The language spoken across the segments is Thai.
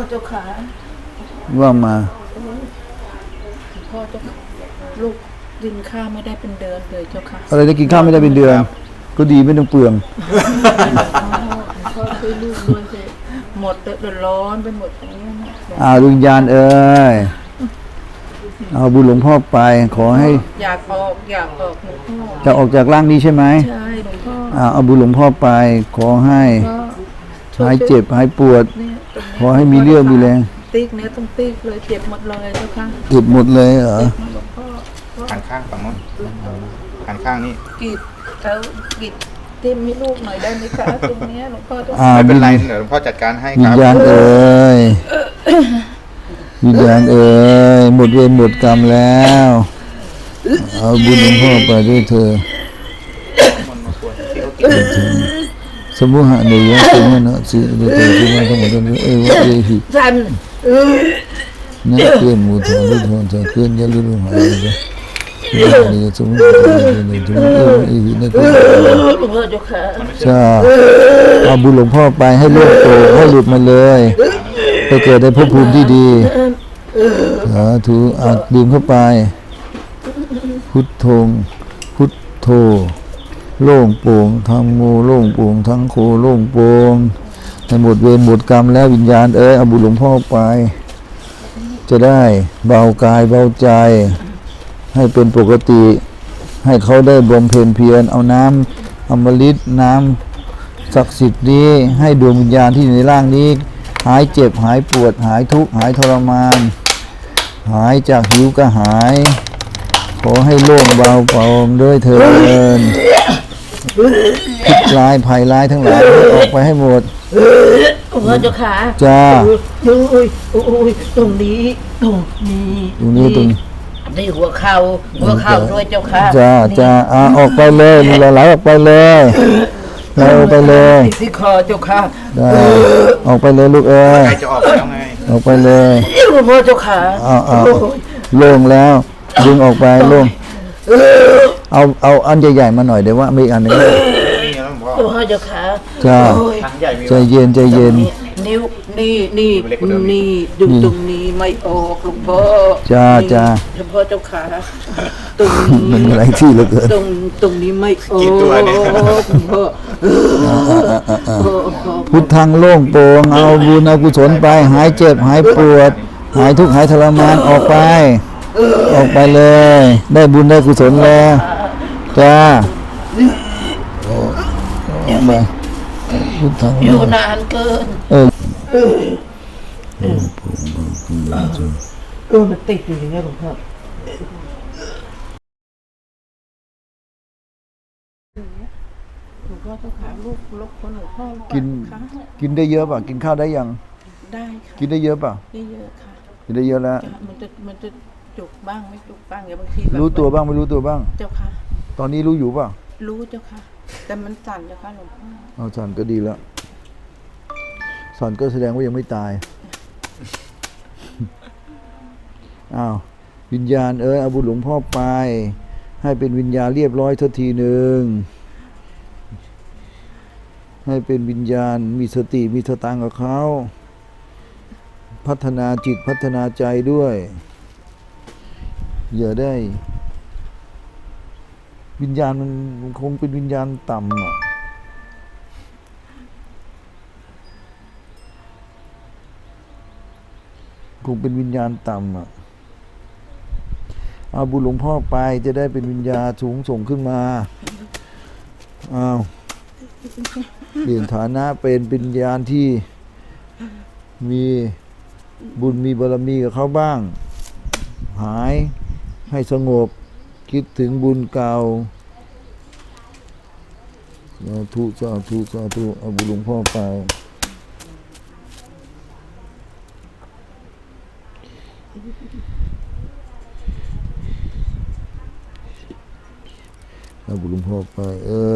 เจ้าขาว่ามาหลวงพ่อเจ้าลูกกินข้าวไม่ได้เป็นเดือนเลยเจ้าค่ะอะไรจะกินข้าวไม่ได้เป็นเดือนก็ดีไม่ต้องเปลืองพ่อช่วยลูกด้วยเถอะหมดเดือดร้อนไปหมดอย่างนี้นะดวงวิญญาณเอ้ยเอาบุญหลวงพ่อไปขอให้อยากออกหลวงพ่อจะออกจากร่างนี้ใช่ไหมใช่หลวงพ่อเอาบุญหลวงพ่อไปขอให้หายเจ็บหายปวดขอให้มีเรี่ยวมีแรงติ๊กเนี่ยต้องติ๊กเลยเจ็บหมดเลยเจ้าค่ะเจ็บหมดเลยเหรอหันข้างฝั่งโน้นหันข้างนี่กีดแล้วกีดจิ้มให้ลูกหน่อยได้ไหมคะตรงนี้หลวงพ่อไม่เป็นไรเดี๋ยวหลวงพ่อจัดการให้ครับวิญญาณเอ้ยวิญญาณเอ้ยหมดเวรหมดกรรมแล้วเอาบุญหลวงพ่อไปด้วยเธอสมุหะเนียสมุนะสิเดชสมุทั้งหมดนี้วะเอหินั่นเกินมูทองลุทองจะเกินยาลุลุหายเลยนี่สมุนะนี่สมุเอหินั่นเกินจ้าเอาบุญหลวงพ่อไปให้โลกโตให้หลุดมาเลยไปเกิดในภพภูมิที่ดีสาธุดื่มเข้าไปพุทโธพุทโธโล่งโปร่งทั้งโมโล่งโปร่งทั้งโคโล่งโปร่งในหมดเวรหมดกรรมแล้ววิญญาณเอาบุญหลวงพ่อไปจะได้เบากายเบาใจให้เป็นปกติให้เขาได้บำเพ็ญเพียรเอาน้ำอมฤตน้ำศักดิ์สิทธิ์นี้ให้ดวงวิญญาณที่อยู่ในร่างนี้หายเจ็บหายปวดหายทุกข์หายทรมานหายจากหิวกระหายขอให้โล่งเบาเบาด้วยเถิดพิษร้ายภัยร้ายทั้งหลายออกไปให้หมดหลวงพ่อเจ้าขาจ้าโอ้ยตรงนี้ตรงหัวเข่าด้วยเจ้าค่ะจ้าออกไปเลยไหลออกไปเลยไหลออกไปเลยที่คอเจ้าค่ะออกไปเลยลูกจะออกแล้วไงออกไปเลยหลวงพ่อเจ้าขาโล่งแล้วดึงออกไปโล่งเอาอันใหญ่ๆมาหน่อยเดี๋ยวว่ามีอันนึงหลวงพ่อเจ้าขาจ้าใจเย็นนิ้วนี่ดึงตรงนี้ไม่ออกหลวงพ่อจ้าหลวงพ่อเจ้าขาตรงมันอะไรที่เหลือเกินตรงนี้ไม่ออกหลวงพ่อพุทธังโล่งโปร่งเอาบุญเอากุศลไปหายเจ็บหายปวดหายทุกข์หายทรมานออกไปเลยได้บุญได้กุศลแล้วจ้าไปพุทธังอยู่นานเกินมันติดอยู่อย่างเงี้ยหลวงพ่อหลวงพ่อเจ้าขาลูกคนหลวงพ่อกินได้เยอะป่ะกินข้าวได้ยังได้ค่ะกินได้เยอะป่ะได้เยอะค่ะกินได้เยอะแล้วมันจะจุกบ้างไม่จุกบ้างอย่างบางทีรู้ตัวบ้างไม่รู้ตัวบ้างเจ้าค่ะตอนนี้รู้อยู่ป่ะรู้เจ้าค่ะแต่มันสั่นเจ้าค่ะหลวงพ่อสั่นก็ดีแล้วสั่นก็แสดงว่ายังไม่ตายวิญญาณเอาบุญหลวงพ่อไปให้เป็นวิญญาณเรียบร้อยทันทีหนึ่งให้เป็นวิญญาณมีสติมีสตังกับเขาพัฒนาจิตพัฒนาใจด้วยอย่าได้วิญญาณมันคงเป็นวิญญาณต่ำคงเป็นวิญญาณต่ำเอาบุญหลวงพ่อไปจะได้เป็นวิญญาณสูงส่งขึ้นมาเปลี่ยนฐานะเป็นวิญญาณที่มีบุญมีบารมีกับเขาบ้างหายให้สงบคิดถึงบุญเก่าสาธุเอาบุญหลวงพ่อไปเอาบุญหลวงพ่อไป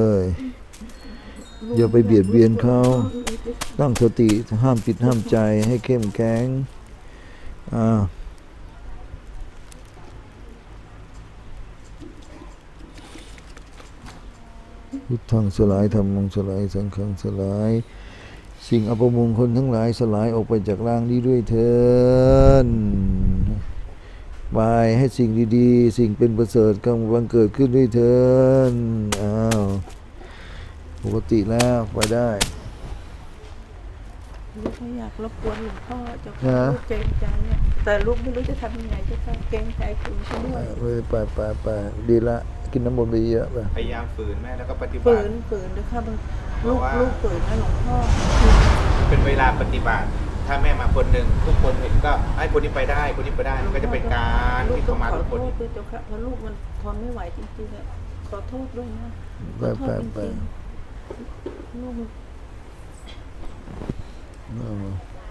อย่าไปเบียดเบียนเขาตั้งสติห้ามจิตห้ามใจให้เข้มแข็งพุทธังสลายธัมมังสลายสังฆังสลายสิ่งอัปมงคลทั้งหลายสลายออกไปจากร่างนี้ด้วยเถิดไปให้สิ่งดีๆสิ่งเป็นประเสริฐกำลังเกิดขึ้นด้วยเถิดอ้าวปกติแล้วไปได้ลูกไม่อยากรบกวนหลวงพ่อเจ้าฮะค่ะลูกเกรงใจเนี่ยแต่ลูกไม่รู้จะทำยังไงเจ้าค่ะเกรงใจคุณช่วยไปดีละกินน้ำมนต์ไปเยอะไปพยายามฝืนแม่แล้วก็ปฏิบัฝืตินด้วยค่ะบางเพลูราะกว่าลูกฝืนนะหลวงพ่อเป็นเวลาปฏิบัติ ถ้าแม่มาคนหนึ่งทุกคนเห็นก็ให้คนนี้ไปได้คนนี้ไปได้มันก็จะเป็นการลูกที่ต้อเข้าง มาขอทุกโทคนษด้วยเจ้าค่ะเพราะลูกมันทนไม่ไหวจริงๆอะขอโทษด้วยนะขอโทษจริงๆลูกเอา